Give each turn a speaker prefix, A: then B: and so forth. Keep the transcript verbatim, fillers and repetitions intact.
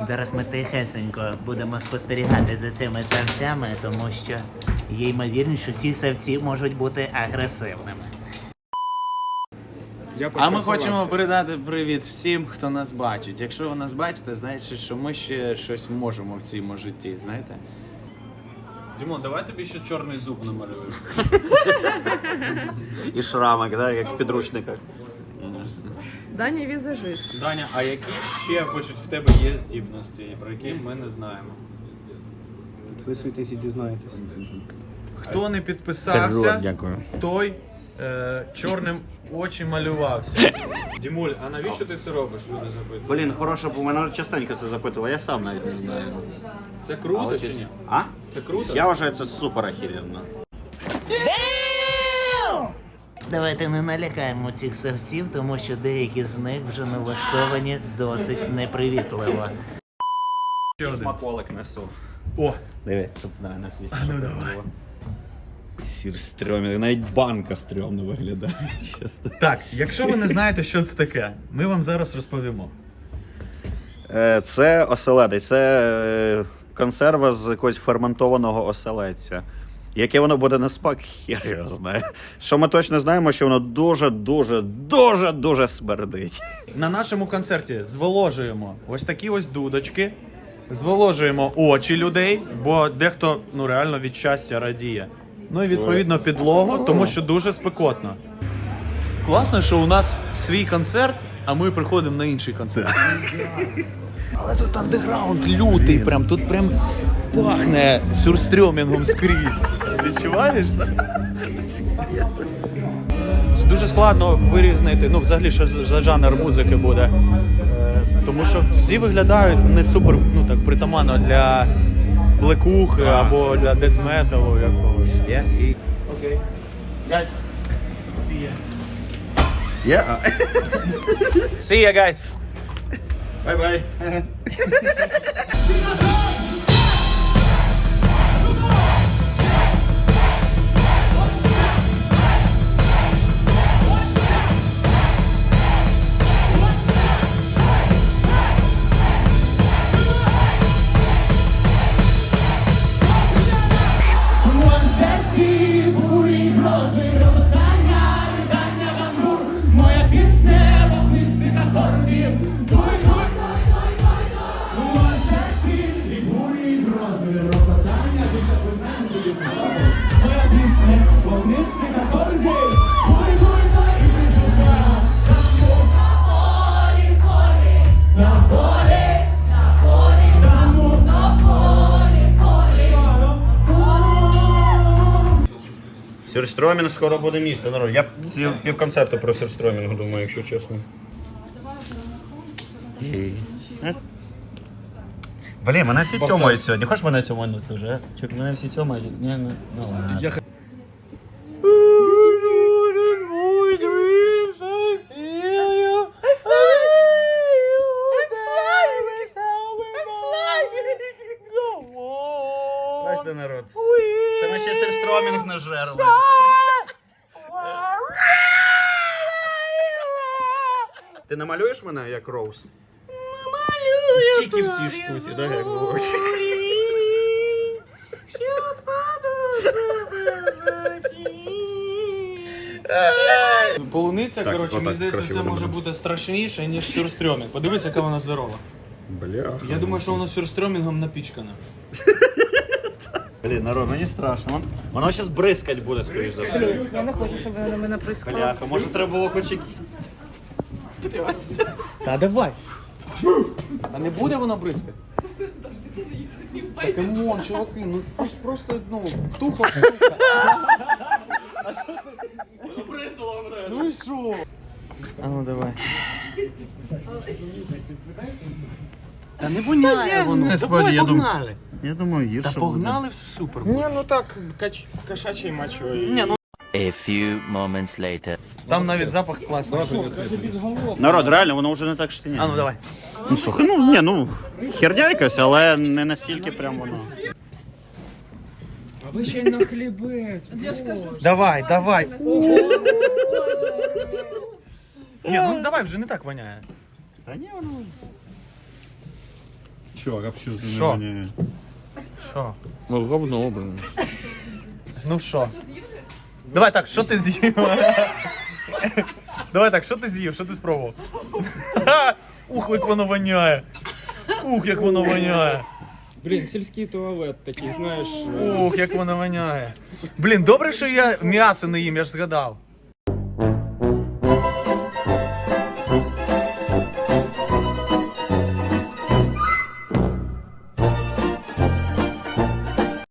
A: Зараз ми тихесенько будемо спостерігати за цими савцями, тому що є ймовірність, що ці савці можуть бути агресивними.
B: А ми хочемо передати привіт всім, хто нас бачить. Якщо ви нас бачите, значить, що ми ще щось можемо в цьому житті, знаєте? Дімон, давай тобі ще чорний зуб намалюю.
C: І шрамик, да, як в підручниках.
D: Даня візажист.
B: Даня, а які ще пишуть в тебе є здібності, про які ми не знаємо?
E: Підписуйтесь і дізнаєтесь.
B: Хто не підписався,
C: Дякую.
B: той е, чорним очі малювався. Дімуль, а навіщо ти це робиш, люди запитують?
C: Блін, хороше, бо мене частенько це запитували, я сам навіть не знаю.
B: Це круто
C: Але
B: чи
C: чи-
B: ні?
C: А?
B: Це круто?
C: Я вважаю, це супер охеренно.
A: Давайте не налякаємо цих савців, тому що деякі з них вже налаштовані досить непривітливо.
C: Смаколик несу.
B: О!
C: Диви, щоб на нас є. А ну давай. Сір стрьомний, навіть банка стрьомно виглядає, чесно.
B: Так, якщо ви не знаєте, що це таке, ми вам зараз розповімо.
C: Е, Це оселедець, це е, консерва з якогось ферментованого оселедця. Яке воно буде на смак, хер його знає. Що ми точно знаємо, що воно дуже-дуже, дуже-дуже смердить.
B: На нашому концерті зволожуємо ось такі ось дудочки, зволожуємо очі людей, бо дехто ну реально від щастя радіє. Ну і відповідно підлогу, тому що дуже спекотно. Класно, що у нас свій концерт, а ми приходимо на інший концерт. Але тут андеграунд лютий, прям тут прям пахне сюрстрьомінгом скрізь. Відчуваєш це? Дуже складно вирізнити, ну взагалі, що за жанр музики буде. Е, тому що всі виглядають не супер, ну так, притаманно для блекухи або для дезметалу якогось.
C: Є? І...
B: Окей. Guys, see ya.
C: Є?
B: See ya, guys.
C: Бай-бай.
F: Моя пісня вогнистих акордів. Дуй, дуй, дуй, дуй, дуй, дуй. У серці і бурі, і грози, рокотання від чаплизанців. Моя пісня вогнистих акордів. Дуй, дуй, дуй, і ти звізда. На полі, полі, на полі, на полі, там на полі, полі.
C: Сюрстрьомінг скоро буде місто, народ. Я ці півконцерту про сюрстрьомінг думаю, якщо чесно. Блін, мене всі цьомають сьогодні. Хочеш мене цьоманути вже? Чук, мене всі цьомають. Ні, ну, ну ладно. Бачите, народ. Це ми ще сюрстрьомінг не жерли. Ти намалюєш мене як Роуз? Намалюю. Тільки в цій штуці, так, як було.
B: Полуниця,
C: Так,
B: коротше,
C: отак,
B: мені здається,
C: краще
B: це
C: буде
B: може
C: буде.
B: бути страшніше, ніж сюрстрьомінг. Подивись, яка вона здорова.
C: Бля.
B: Я думаю, що воно сюрстрьомінгом напічкане.
C: Блін, народ, мені страшно. Вон- Воно зараз бризкать буде, скоріш за все.
D: Я не хочу, щоб ви на мене прискали.
C: Бляха, може треба було хоч і...
B: Та давай. Та не буде воно бризкати. Та камон, чуваки, ну це ж просто, ну, тупо штука. Ну і що? А ну давай. Та не воняє воно.
C: Господи,
B: Давай,
C: я думаю-
B: погнали.
C: Я думаю, гірше
B: Та
C: буде.
B: погнали, все супер.
E: Ні, ну так, кач... кошачий мачо.
B: Ні, ну
G: A few moments later.
B: там навіть запах класний.
C: Народ, реально, воно вже не так штиня.
B: А ну давай.
C: Ну, слухай, ну, ні, ну, херня якась, але не настільки прям воно.
E: А ви ще й на хлібець.
B: Давай, давай. Ні, ну давай, вже не так воняє.
C: Та ні, воно...
H: Чувак, а що?
B: Що? Що?
H: Ну, говно, блин.
B: Ну що? Давай так, що ти з'їв? Давай так, що ти з'їв? Що ти спробував? Ух, як воно воняє. Ух, як воно воняє.
E: Блін, сільський туалет такий, знаєш.
B: Ух, як воно воняє. Блін, добре, що я м'ясо не їм, я ж згадав.